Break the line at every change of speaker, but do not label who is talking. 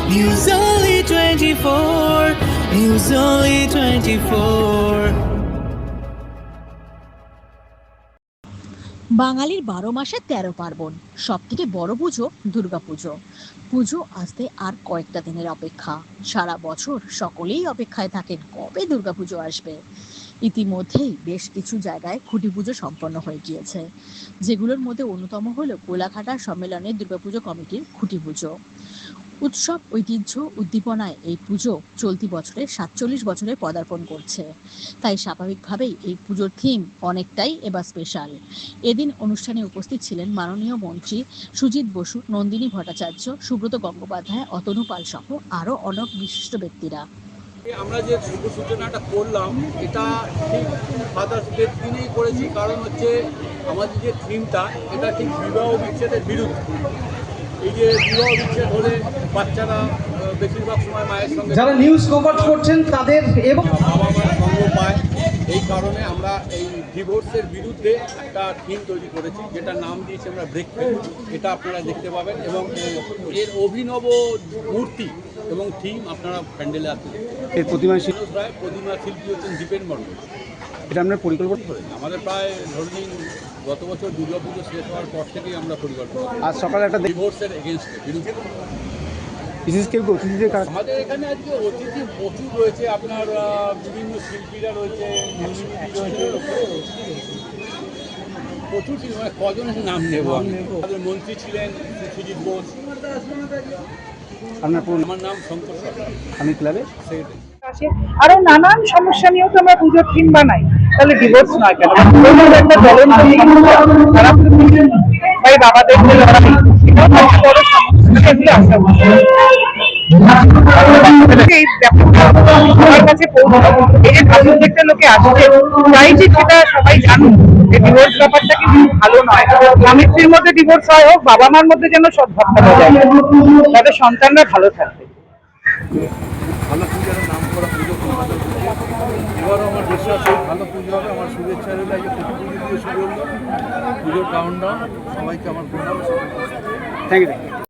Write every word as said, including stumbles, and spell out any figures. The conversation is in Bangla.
News Only twenty-four, News Only twenty-four.
বাঙালির বারো মাসে তেরো পার্বণ, সব থেকে বড় পুজো দুর্গাপুজো। পুজো আসতে আর কয়েকটা দিনের অপেক্ষা। সারা বছর সকলেই অপেক্ষায় থাকেন কবে দুর্গাপুজো আসবে। ইতিমধ্যেই বেশ কিছু জায়গায় খুঁটি পুজো সম্পন্ন হয়ে গিয়েছে, যেগুলোর মধ্যে অন্যতম হলো কোলাঘাটা সম্মেলনের দুর্গাপুজো কমিটির খুঁটি পুজো। উৎসব, ঐতিহ্য, উদ্দীপনায় এই পুজো চলতি বছরে সাতচল্লিশ বছরে পদার্পণ করছে। তাই স্বাভাবিকভাবেই এই পুজোর থিম অনেকটাই এবার স্পেশাল। এদিন অনুষ্ঠানে উপস্থিত ছিলেন মাননীয় মন্ত্রী সুজিত বসু, নন্দিনী ভট্টাচার্য, সুব্রত গঙ্গোপাধ্যায়, অতনু পাল সহ আরও অনেক বিশিষ্ট ব্যক্তিরা।
আমরা যে শুভ সূচনাটা করলাম এটা ঠিক ফাদার্স ডের দিনেই করেছি, কারণ হচ্ছে আমাদের যে থিমটা এটা ঠিক বিবাহ বিচ্ছেদের বিরুদ্ধে। এই যে বিবাহ বিচ্ছেদ হলে বাচ্চারা বেশিরভাগ সময় মায়ের সঙ্গে,
যারা নিউজ কভার করছেন তাদের এবং
বাবা মার সঙ্গ পায়, এই কারণে আমরা এই ডিভোর্সের বিরুদ্ধে একটা থিম তৈরি করেছি, যেটা নাম দিয়েছি আমরা ব্রেক ফ্রি। এটা আপনারা দেখতে পাবেন এবং এর অভিনব মূর্তি এবং থিম আপনারা প্যান্ডেলে আসতে
এর প্রতিমা
শিল্পী রায়, প্রতিমা শিল্পী হচ্ছেন দীপেন মণ্ডল।
এটা আপনার পরিকল্পনা
করেন আমাদের প্রায় ধরে নিন গত বছর দুর্গা পুজো শেষ হওয়ার পর থেকেই আমরা পরিকল্পনা করি
আজ সকালে একটা
ডিভোর্সের এগেনস্টে বিরুদ্ধে।
বিশেষ কেউ অতিথিদের কাজ
আমাদের এখানে আজকে অতিথি প্রচুর রয়েছে, আপনার বিভিন্ন শিল্পীরা রয়েছে, রয়েছে প্রচুর শিল্পী, মানে কজনের নাম নেব আমি। আমাদের মন্ত্রী ছিলেন সুজিত বোস।
আপনার পুরো
আমার নাম শঙ্কর সরকার,
আমি ক্লাবের
সেক্রেটারি।
আরো নানান সমস্যা নিয়েও তো আমরা পুজোর থিম বানাই, তাহলে ডিভোর্স নয় কেন? একটা জ্বলন্ত সমস্যা, তারা ভাই বাবাদের যে লড়াই, সেটাও একটা বড় সমস্যা, এগুলো আসা এই সবার কাছে পৌঁছানো। এই যে প্রত্যেকটা লোকে আসছে, তাই যে সেটা সবাই জানুক যে ডিভোর্স ব্যাপারটা কিন্তু ভালো নয়। স্বামী স্ত্রীর মধ্যে ডিভোর্স হয় হোক, বাবা মার মধ্যে যেন সদ্ভাবটা বজায় থাকে, তাদের সন্তানরা ভালো থাকবে।
ভালো পূজার নাম করা পুজো কলকাতা পুজো, এবারও আমার বিশ্বাস ভালো পুজো হবে। আমার শুভেচ্ছা রইল, এই যে প্রতি পুজো দিয়ে শুরু হলো পুজোর কাউন্টডাউন। সবাইকে আমার প্রণাম।
Thank you.